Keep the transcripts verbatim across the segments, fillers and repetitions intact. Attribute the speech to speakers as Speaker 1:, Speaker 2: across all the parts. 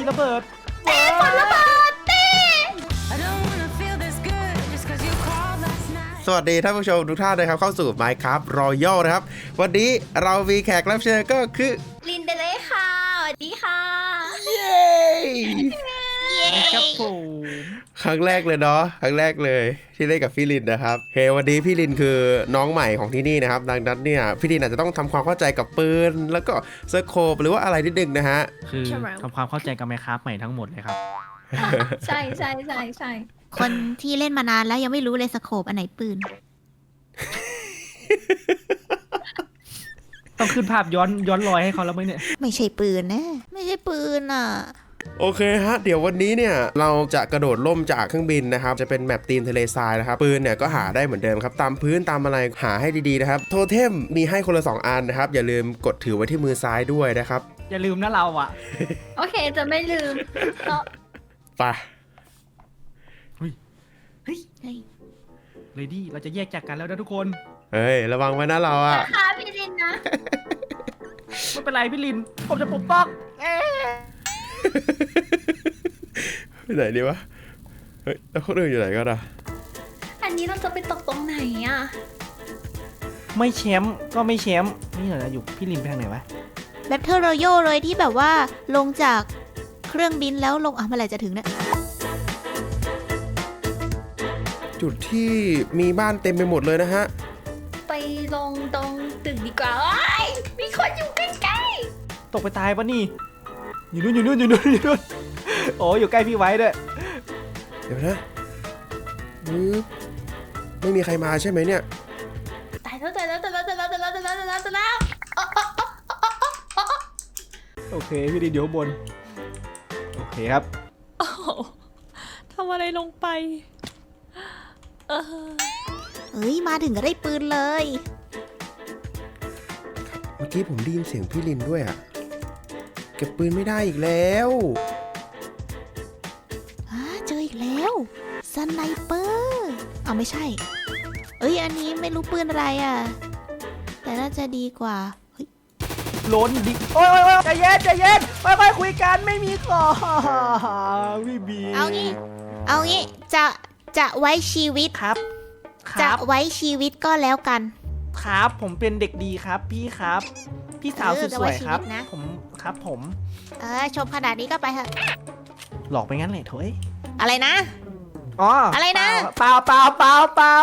Speaker 1: ระเบิด
Speaker 2: เต้ฝนระเบิดเต้
Speaker 3: สวัสดีท่านผู้ชมทุกท่านนะครับเข้าสู่ Minecraft Royal นะครับวันนี้เรามีแขกรับเชิญก็คือ
Speaker 2: ลินเดเลยค่ะสวัสดีค่ะ
Speaker 3: เย้
Speaker 2: เย้
Speaker 1: ครับผม
Speaker 3: ครั้งแรกเลยเนาะครั้งแรกเลยที่เล่นกับพี่ลินนะครับเฮ้วันนี้พี่ลินคือน้องใหม่ของที่นี่นะครับดังนั้นเนี่ยพี่ลินอาจจะต้องทำความเข้าใจกับปืนแล้วก็สโคปหรือว่าอะไรนิดนึงนะฮะ
Speaker 1: คือทำความเข้าใจกับ Minecraft ใหม่ทั้งหมดเลยครับ
Speaker 2: ใช่ใช่ใช่ใช่
Speaker 4: คนที่เล่นมานานแล้วยังไม่รู้เลยสโคปอันไหนปืน
Speaker 1: ต้องขึ้นภาพย้อนย้อนรอยให้เขาแล้วไหมเนี่ย
Speaker 4: ไม่ใช่ปืนนะไม่ใช่ปืนอ่ะ
Speaker 3: โอเคฮะเดี๋ยววันนี้เนี่ยเราจะกระโดดล่มจากเครื่องบินนะครับจะเป็นแมปตีนทะเลทรายนะครับปืนเนี่ยก็หาได้เหมือนเดิมครับตามพื้นตามอะไรหาให้ดีๆนะครับโทเทมมีให้คนละสองอันนะครับอย่าลืมกดถือไว้ที่มือซ้ายด้วยนะครับ
Speaker 1: อย่าลืมนะเราอ่ะ
Speaker 2: โอเคจะไม่ลืม
Speaker 3: ไป
Speaker 1: เฮ้ยเฮ้ยเลดี้เราจะแยกจากกันแล้วนะทุกคน
Speaker 3: เฮ้ยระวังไว้นะเราอ่ะ
Speaker 2: ค่ะพี่ลินนะ
Speaker 1: ไม่เป็นไรพี่ลินผมจะปกป้อง
Speaker 3: ไปไหนดีวะเฮ้ยแล้วคนอื่นอยู่ไหนกันอ่ะ
Speaker 2: อันนี้เราจะไปตกตรงไหนอ่ะ
Speaker 1: ไม่แชมป์ก็ไม่แชมป์นี่เหรออยู่พี่ลินไปทางไหนวะ
Speaker 4: แบทเทิลรอยัลเลยที่แบบว่าลงจากเครื่องบินแล้วลงอ่ะเมื่อไหร่จะถึงเนี่ย
Speaker 3: จุดที่มีบ้านเต็มไปหมดเลยนะฮะ
Speaker 2: ไปลงตรงตึกดีกว่ามีคนอยู่ใกล้
Speaker 1: ๆตกไปตายปะนี่อยู่นู่นอยู่นู่นอยู่นู่นอยู่นู่นโอ้อยู่ใกล้พี่ไว้ด้วย
Speaker 3: เดี๋ยวนะไม่มีใครมาใช่ไหมเนี่ย
Speaker 2: ตายแล้วตายแล้วตายแล้วตายแล้วตายแล้วตายแล้วตายแล้วตายแล้ว
Speaker 1: โอเคพี่ดีเดี๋ยวบนโอเคครับ
Speaker 2: ทำอะไรลงไป
Speaker 4: เอ้ยมาถึงก็ได้ปืนเลย
Speaker 3: เมื่อกี้ผมได้ยินเสียงพี่ลินด้วยอ่ะเก็บปืนไม่ได้อีกแล้ว
Speaker 4: อ่าเจออีกแล้วสไนเปอร์เอาไม่ใช่เอ้ยอันนี้ไม่รู้ปืนอะไรอ่ะแต่น่าจะดีกว่าเฮ้ย
Speaker 1: ล้นดิโอ้ยโอ้ยใจเย็นใจเย็นค่อยๆคุยกันไม่มีของพี่บี
Speaker 4: เอางี้เอางี้จะจะไว้ชีวิต
Speaker 1: ครับ
Speaker 4: จะไว้ชีวิตก็แล้วกัน
Speaker 1: ครับผมเป็นเด็กดีครับพี่ครับพี่สาวสุดสวยครับผมครับผม
Speaker 4: เออชมขนาดนี้ก็ไปเถอะ
Speaker 1: หลอกไปงั้นเลยโถ่
Speaker 4: อะไรนะ
Speaker 1: อ๋อ
Speaker 4: อะไรนะ
Speaker 1: เปล่าเปล่าเปล่าเปล่า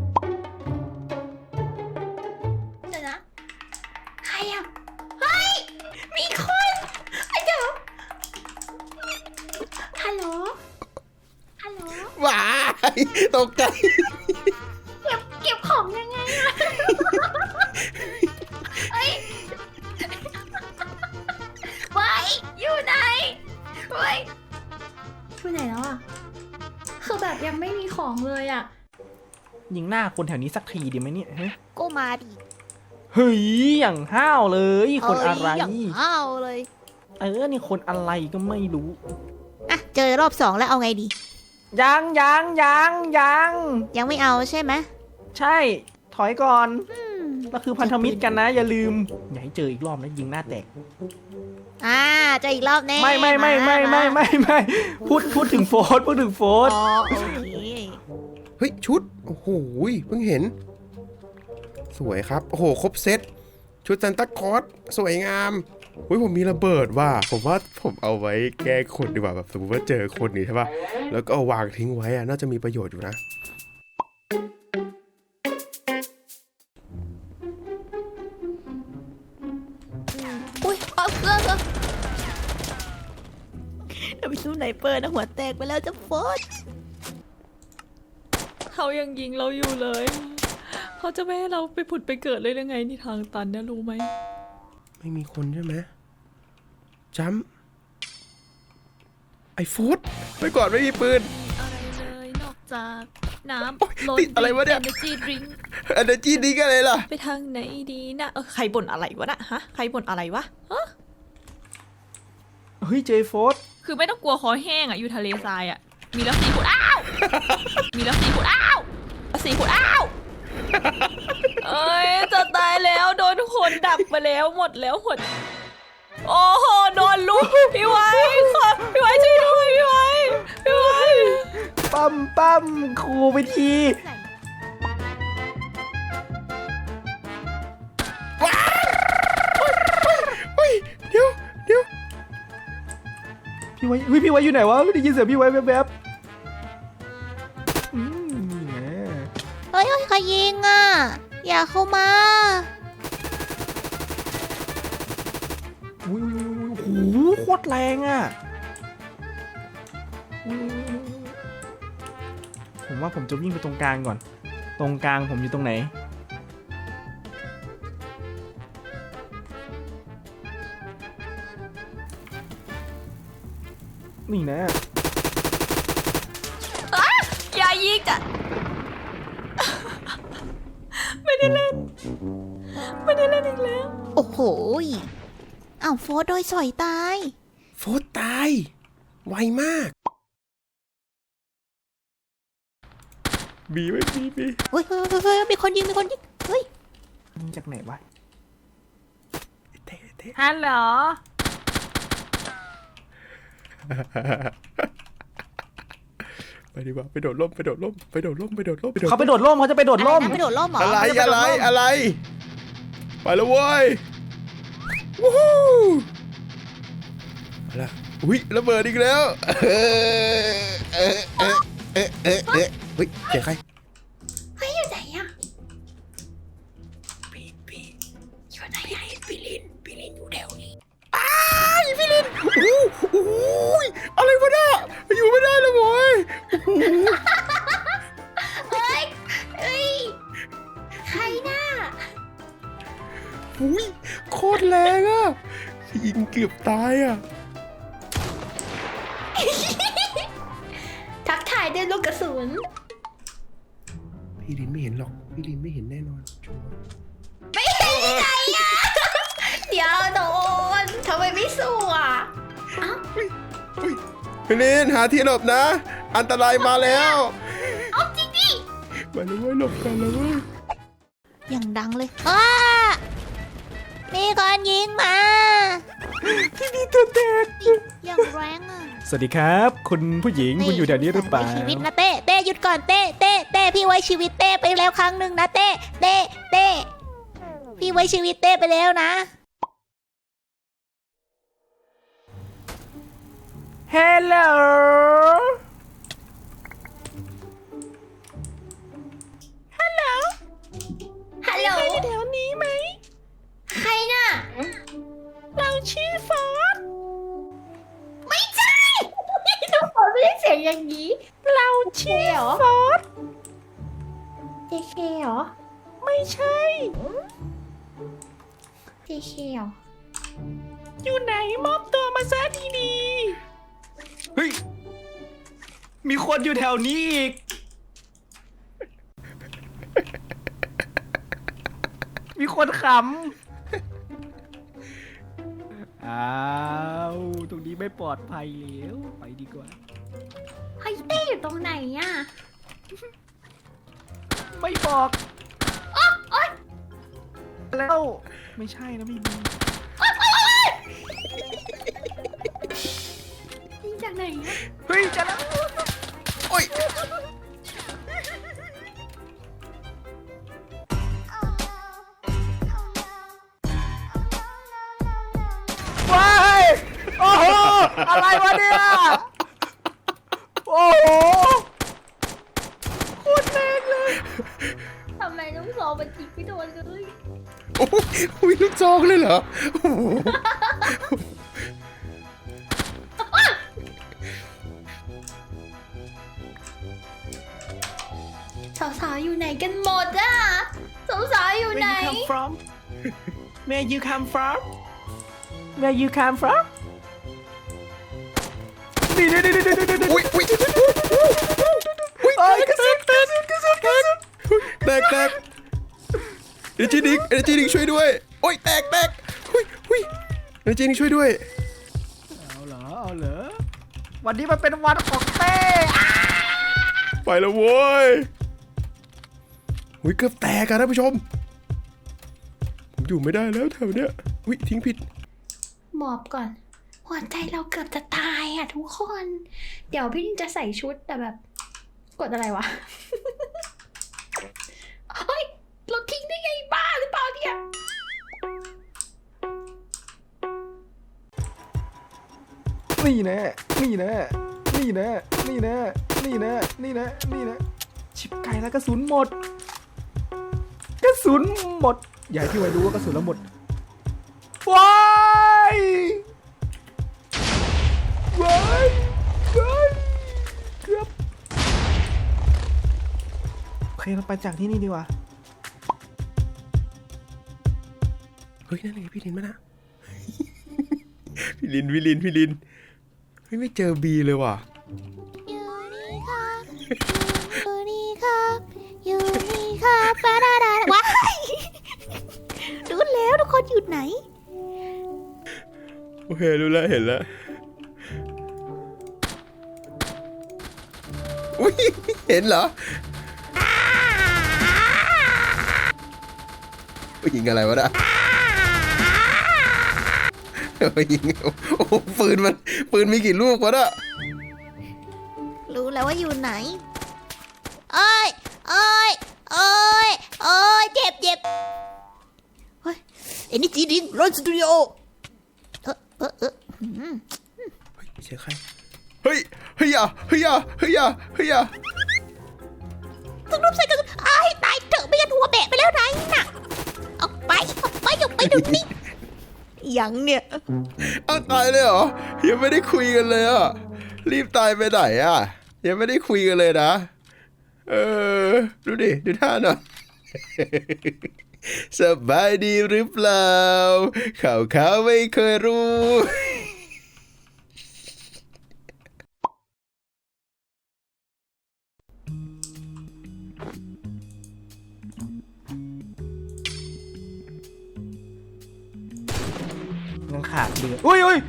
Speaker 2: เดี๋ยวนะใครอ่ะเฮ้ยมีคนไอ้เดี๋ยวฮัลโหลฮัลโหล
Speaker 3: ว้ายตกใจ
Speaker 2: เก็บเก็บของยังไงอะเฮ้ยไว้อยู่ไหนไว้อยู่ไหนแล้วอะคือแบบยังไม่มีของเลยอะ
Speaker 1: ยิงหน้าคนแถวนี้สักทีดีไหมเนี่ยเฮ้ย
Speaker 4: ก็มาดิ
Speaker 1: เฮ้ยอย่างห้าวเลยคนอะไร
Speaker 4: อย่างห้าวเลย
Speaker 1: เออนี่คนอะไรก็ไม่รู้
Speaker 4: อ่ะเจอรอบสองแล้วเอาไงดี
Speaker 1: ยังยังยังยัง
Speaker 4: ยังไม่เอาใช่ไหม
Speaker 1: ใช่ถอยก่อนเราคือพันธมิตรกันนะอย่าลืมอย่าให้เจออีกรอบนะยิงหน้าแตก
Speaker 4: อ่าเจออีกรอบแน่
Speaker 1: ไม่ไม่ไม่ไม่ไม่ไม่ไม่พูดพูดถึงโฟร์พูดถึงโฟร์
Speaker 4: อ๋อโอเค
Speaker 3: เฮ้ยชุดโอ้โหเพิ่งเห็นสวยครับโอ้โหครบเซตชุดซันตาคลอสสวยงามเฮ้ยผมมีระเบิดว่ะผมว่าผมเอาไว้แก้คนดีกว่าแบบสมมติว่าเจอคนนี้ใช่ป่ะแล้วก็เอาวางทิ้งไว้อะน่าจะมีประโยชน์อยู่นะ
Speaker 4: อุ้ยเอาเรื่องอะเดี๋ยวไปสู้ไหนเปิดนะหัวแตกไปแล้วจะโฟด
Speaker 2: เขายังยิงเราอยู่เลยเขาจะไม่ให้เราไปผุดไปเกิดเลยยังไงนี่ทางตันเนี่ยรู้ไหม
Speaker 3: ไม่มีคนใช่ไหมจัมไอ้ฟูดไปก่อนไม่มีปืน
Speaker 2: อะไรเลยนอกจากน้ำ
Speaker 3: ติดอะไรวะเนี่ย
Speaker 2: Energy Drink
Speaker 3: Energy Drink อะไรล่ะ
Speaker 2: ไปทางไหนดีนะเออใครบ่นอะไรวะนะฮะใครบ่นอะไรวะฮะ
Speaker 1: เฮ้ยเจโฟส
Speaker 2: คือไม่ต้องกลัวคอแห้งอ่ะอยู่ทะเลทรายอ่ะมีแล้วสีผุดอ้าวมีแล้วสีผุดอ้าวสีผุดอ้าวเอ้ยจะตายแล้วโดนคนดักไปแล้วหมดแล้วหมดโอ้โหโดนลุกพี่ไว้ค่ะพี่
Speaker 1: ปั้มครูไปที
Speaker 3: เฮ้ยเดี๋ยวเดี๋ยว
Speaker 1: พี่ไว้เฮ้ยพี่ไว้อยู่ไหนวะไม่ได้ยินเสียงพี่ไว้แวบๆอืมนี่ไง
Speaker 4: เฮ้ยเฮ้ยใครยิงอ่ะ อย่าเข้ามา
Speaker 1: อุ้ยโอ้โหโคตรแรงอ่ะอุ๊ยผมว่าผมจะวิ่งไปตรงกลางก่อน ตรงกลางผมอยู่ตรงไหน นี่นะ
Speaker 2: อย่ายิงจ้ะ ไม่ได้เล่น ไม่ได้เล่นอีกแล้ว
Speaker 4: โอ้โหยอ้าวโฟร์โดยสอยตาย
Speaker 3: โฟร์ตาย ไวมาก บีไว้บีบี
Speaker 4: เฮ้ยเฮ้ยเฮ้ยเฮ้ยมีคนยิง มีคนยิง เฮ้ย
Speaker 1: ยิงจากไหนวะ
Speaker 3: เท่เท่
Speaker 2: ฮัลโหล
Speaker 3: ไปดีกว่าไปโดดร่มไปโดดร่มไปโดดร่มไปโดดร่มไปโดด
Speaker 1: เขาไปโดดร่มเขาจะไปโดดร่ม
Speaker 4: อะไรนะไปโดดร่มเหรอ
Speaker 3: อะไรอะไรอะไรไปแล้วเว้ยวู้ฮู้เอาละอุ้ยระเบิดอีกแล้วเออเออเออเออเออเออเฮ้ยเจอใคร
Speaker 4: เฮ้ยอยู่ไหนอะ
Speaker 3: ปีปี
Speaker 4: อยู่ไหนอะ
Speaker 3: ปีลินปีลินอยู่แถวนี้อ้ายปีลินโอ้โหโอ้โหอะไรวะเนี่ยอยู่ไม่ได้เลยโว้ยโอ้โห
Speaker 4: เฮ้ยเฮ้ย ใครน่ะ
Speaker 3: อุ้ยโคตรแรงอ่ะยิงเกือบตายอ่ะ
Speaker 4: ทักทายด้วยลูกกระสุน
Speaker 3: พี่ลินไม่เห็นหรอกพี่ลินไม่เห็นแน่นอนชัวร์
Speaker 4: ไม่เห็นยังไงอะเดี๋ยวโดนทำไมไม่สู้อ่ะ
Speaker 3: พี่ลินหาที่หลบนะ อันตรายมาแล้ว
Speaker 4: เอาจริงดิ
Speaker 3: มาเลยเว้ยหลบกันเลยเว้ย
Speaker 4: อย่างดังเลยอ้ามีคนยิงมา
Speaker 1: ที่นี่ตัวแตก
Speaker 4: อย่างแรงอ่ะ
Speaker 1: สวัสดีครับ คุณผู้หญิงคุณอยู่แถวนี้หรือเปล่า
Speaker 4: ไว้ชีวิตนะเต้เต้หยุดก่อนเต้เต้เต้พี่ไว้ชีวิตเต้ไปแล้วครั้งหนึ่งนะเต้เต้เต้พี่ไว้ชีวิตเต้ไปแล้วนะ
Speaker 1: ฮัลโหล
Speaker 4: ฮัลโหลอยู่แถวนี้ไหมใครน่ะ เราชื่อฟอสไม่ใช่ทุกคนไม่ได้เสียงอย่างนี้ เราชื่อฟอสเจเคเหรอ ไม่ใช่เจเคเหรอ
Speaker 1: อยู่ไหนมอบตัวมาซะดีๆเฮ้ย มีคนอยู่แถวนี้อีก มีคนขำ อ้าว ตรงนี้ไม่ปลอดภัยแล้ว ไปดีกว่า
Speaker 4: เฮ้ยเต้อยู่ตรงไหนอ่ะ
Speaker 1: ไม่บอกแล้ว ไม่ใช่นะพี่บี
Speaker 4: ยิงจากไหนอ่ะ
Speaker 1: เฮ้ยจะแล้ว
Speaker 3: โอ้ย
Speaker 1: ว้ายโอ้โห อะไรวะเนี่ย โอ้โหโคตรแรงเลย
Speaker 4: ทำไมต้องสอบมันจิกไม่โดนเลย
Speaker 3: โอ้ยอุ้ยลูกจองเลยเหรอโอ้โห
Speaker 4: สาวๆอยู่ไหนกันหมดอ่ะสาวๆอยู่
Speaker 1: Where
Speaker 4: ไหน
Speaker 1: you come from Where you come from Where you come from นี่นี่นี่นี่นี่นี่
Speaker 3: อุ้ยอุ้ยอุ้ย
Speaker 1: โอ้ยกระสุนกระสุนกระสุนกระสุน
Speaker 3: แตกแตกเอเจนิกเอเจนิกช่วยด้วยโอ้ยแตกแตกอุ้ยอุ้ยเอเจนิกช่วยด้วย
Speaker 1: เอาเหรอ เอาเหรอ วันนี้มันเป็นวันของเต้
Speaker 3: ไปแล้วโว้ยอุ้ยเกือบแตกอะท่านผู้ชมผมอยู่ไม่ได้แล้วแถวเนี้ยอุ้ยทิ้งผิด
Speaker 4: หมอบก่อน หัวใจเราเกือบจะตายอ่ะทุกคน เดี๋ยวพี่ลินจะใส่ชุดแต่แบบกดอะไรวะ เฮ้ยเราทิ้งได้ไงบ้าหรือเปล่าเนี่ย
Speaker 1: นี่แน่นี่แน่นี่แน่นี่แน่นี่แน่นี่แน่นี่แน่ชิบไก่แล้วกระสุนหมดกระสุนหมดอย่าให้พี่ไว้รู้ว่ากระสุนเราหมดว้ายว้ายว้ายเกือบโอเคเราไปจากที่นี่ดีกว่า
Speaker 3: เฮ้ยนั่นไงพี่ลินมานะ พี่ลินพี่ลินพี่ลินเฮ้ยไม่เจอบีเลยว่ะ
Speaker 4: อยู่นี่ครับอยู่นี่ครับอยู่นี่ครับปาดาดาว้ายรู้แล้วทุกคนอยู่ไหน
Speaker 3: โอเครู้แล้วเห็นแล้วอุ้ยเห็นเหรอยิงอะไรวะน่ะยิงโอ้ปืนมันปืนมีกี่ลูกวะน่ะ
Speaker 4: รู้แล้วว่าอยู่ไหนเอ้ยเอ้ยเอ้ยเอ้ยเจ็บเจ็บเฮ้ยเอ็นนี่จีดิงรอนสตูดิโอเออเออเออหืม
Speaker 3: เฮ้ยไม่ใช่ใครเฮ้ยเฮ้ยอ่ะเฮ้ยอ่ะเฮ้ยอ่ะเฮ้ยอ่ะ
Speaker 4: ทุกรูปใส่กระสุนอ้ายตายเถอะไม่งั้นหัวแบะไปแล้วไหนน่ะออกไปออกไปออกไปเดี๋ยวนี้ยังเนี่ย
Speaker 3: อ้าวตายเลยเหรอยังไม่ได้คุยกันเลยอ่ะรีบตายไปไหนอ่ะยังไม่ได้คุยกันเลยนะเออดูดิดูท่าหน่อย สบายดีหรือเปล่าข่าวข่าวไม่เคยรู้
Speaker 1: ยังขาดเดือดอุ้ยอุ้ย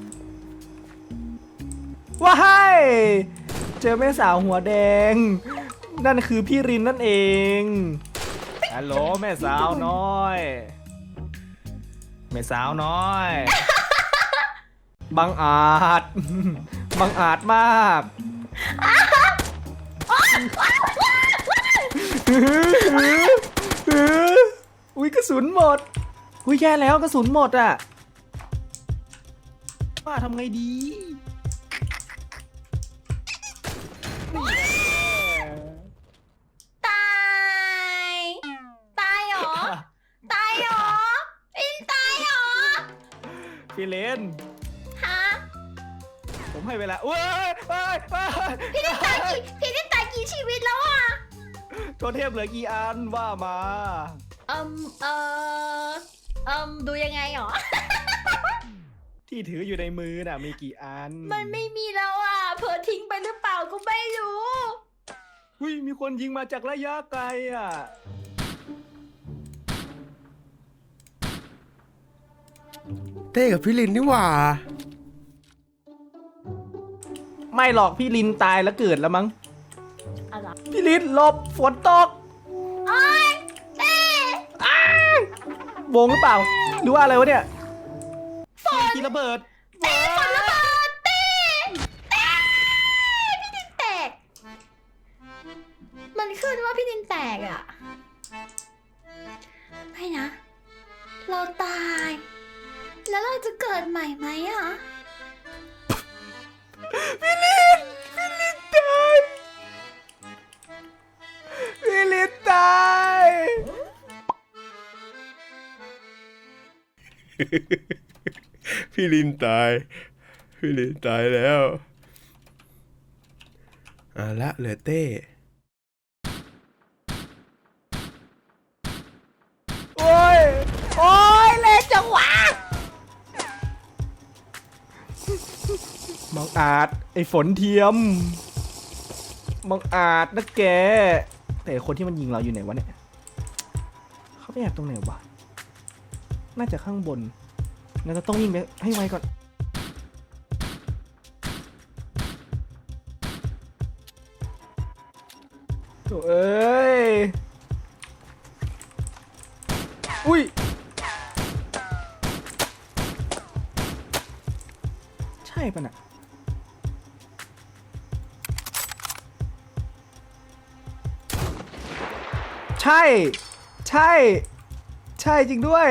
Speaker 1: ว้ายเจอแม่สาวหัวแดง นั่นคือพี่รินนั่นเองฮัลโหลแม่สาวน้อยแม่สาวน้อยบังอาจ บังอาจมากอุ้ยกระสุนหมดอุ้ยแย่แล้วกระสุนหมดอ่ะว่าทำไงดี
Speaker 4: ตายตายเหรอตายเหรออินตายเหรอ
Speaker 1: พี่เลน
Speaker 4: ฮะ
Speaker 1: ผมให้เวลาเว้ยเว้ยเว้ย
Speaker 4: พี่ได้ตายกี่พี่ได้ตายกี่ชีวิตแล้วอ่ะ
Speaker 1: โทเทพเหลือกี่อันว่ามา
Speaker 4: เอ่มเอ่อเอ่มดูยังไงหรอ
Speaker 1: ที่ถืออยู่ในมือน่ะมีกี่อัน
Speaker 4: มันไม่มีแล้วอ่ะเผลอทิ้งไปหรือเปล่าก็ไม่รู้
Speaker 1: หุ้ยมีคนยิงมาจากระยะไกลอ่ะ
Speaker 3: เต้กับพี่ลินนี่หว่า
Speaker 1: ไม่หรอกพี่ลินตายแล้วเกิดแล้วมั้ง
Speaker 4: อะไร
Speaker 1: พี่ลินหลบฝนตก
Speaker 4: โอ้ยเต้
Speaker 1: วงหรือเปล่าหรือว่าอะไรวะเนี่ยฝนกีระเบิด
Speaker 4: เต้ฝนระเบิดเต้เต้พี่ดินแตก มันขึ้นว่าพี่ดินแตกอ่ะ ไม่นะ เราตาย แล้วเราจะเกิดใหม่ไหมอ่ะ
Speaker 1: พี่ลินพี่ลินตายพี่ลินตาย
Speaker 3: พี่ลินตายพี่ลินตายแล้วอ่ะละเหลือเต้
Speaker 1: โอ้ยโอ้ยเล็กจังหวะบังอาจไอ้ฝนเทียมบังอาจนะแกแต่คนที่มันยิงเราอยู่ไหนวะเนี่ยเขาไปแอบตรงไหนวะน่าจะข้างบนเราจะต้องวิ่งไปให้ไวก่อนโถ่เอ้ยอุ้ยใช่ปะน่ะใช่ ใช่ ใช่จริงด้วย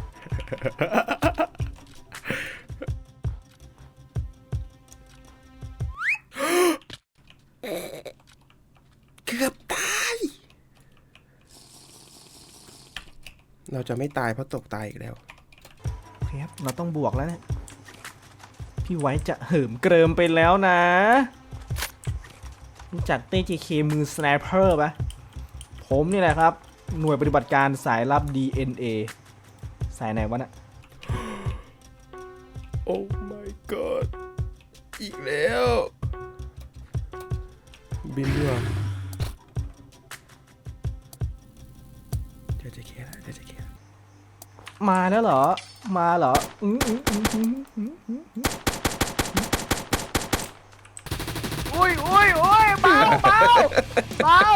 Speaker 3: เกือบตาย เราจะไม่ตายเพราะตกตายอีกแล้ว
Speaker 1: โอเคครับ เราต้องบวกแล้วเนี่ย พี่ไว้จะเหิมเกริมไปแล้วนะ รู้จักเต้ เจ เค มือสไนเปอร์ปะผมนี่แหละครับ หน่วยปฏิบัติการสายลับ ดี เอ็น เอ สายไหนวะน่ะ
Speaker 3: โอ้ my god อีกแล้ว บินด้วยเดี๋ยวจะเคลียร์แล้วเดี๋ยวจะเคลียร์
Speaker 1: มาแล้วเหรอ มาเหรออืมอืมอืมอืมอืมอืมอืมโอ้ยโอ้ยโอ้ยเบาเบาเบา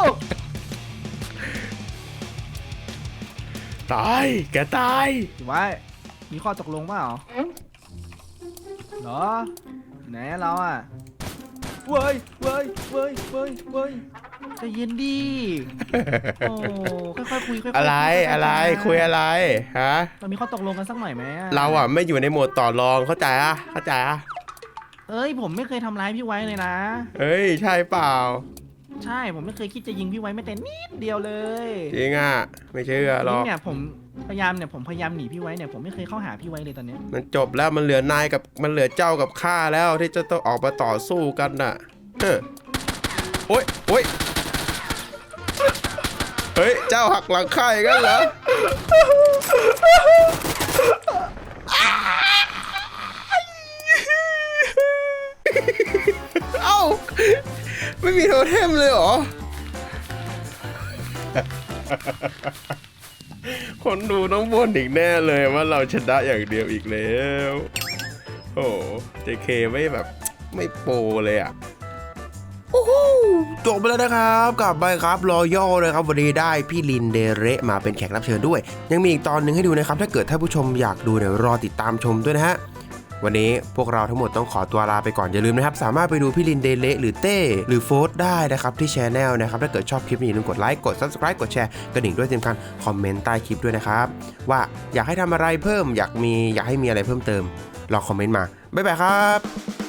Speaker 3: ตาย แกตาย
Speaker 1: ถือว่ามีข้อตกลงเปล่าเหรอ ไหนเราอ่ะเว้ยเว้ยเว้ยเว้ยเว้ยใจะเย็นดีโอ้ค่อยๆคุยค่อยๆ
Speaker 3: อะไร
Speaker 1: ค่ยๆ
Speaker 3: อะไร คุยอะไรฮะ
Speaker 1: เรามีข้อตกลงกันสักหน่อยไหมอะ
Speaker 3: เราอ่ะไม่อยู่ในโหมดต่อรองเข้าใจอ่ะเข้าใจอ่ะ
Speaker 1: เอ้ยผมไม่เคยทำร้ายพี่ไว้เลยนะ
Speaker 3: เฮ้ย ใช่เปล่า
Speaker 1: ใช่ผมไม่เคยคิดจะยิงพี่ไว้แม้แต่นิดเดียวเลย
Speaker 3: จริงอ่ะ ไม่เชื่อหร
Speaker 1: นี่
Speaker 3: อก
Speaker 1: เนี่ยผมพยายามเนี่ยผมพยายามหนีพี่ไว้เนี่ยผมไม่เคยเข้าหาพี่ไว้เลยตอนเนี้ย
Speaker 3: มันจบแล้วมันเหลือนายกับมันเหลือเจ้ากับข้าแล้วที่จะต้องออกมาต่อสู้กันน่ะเออโอ๊ยโอ๊ยเฮ้ย เจ้าหักหลังข้าอย่างนั้นเหรอ เอ้า ไม่มีโทเทมเลยเหรอ คนดูต้องบ่นอีกแน่เลยว่าเราชนะอย่างเดียวอีกแล้ว โอ้เจเคไม่แบบไม่โปรเลยอ่ะ โอ้โหจบไปแล้วนะครับกลับไปครับรอยัลนะครับวันนี้ได้พี่ลินเดเระมาเป็นแขกรับเชิญด้วย ยังมีอีกตอนหนึ่งให้ดูนะครับถ้าเกิดท่านผู้ชมอยากดูเนี่ยรอติดตามชมด้วยนะฮะวันนี้พวกเราทั้งหมดต้องขอตัวลาไปก่อนอย่าลืมนะครับสามารถไปดูพี่ลินเดเระหรือเต้หรือโฟสได้นะครับที่ช anel นะครับถ้าเกิดชอบคลิปนี้อย่าลืมกดไลค์กด ซับสไครบ์ กดแชร์กระดิ่งด้วยที่สำคัญคอมเมนต์ใต้คลิปด้วยนะครับว่าอยากให้ทำอะไรเพิ่มอยากมีอยากให้มีอะไรเพิ่มเติมลองคอมเมนต์มาบ๊ายบายครับ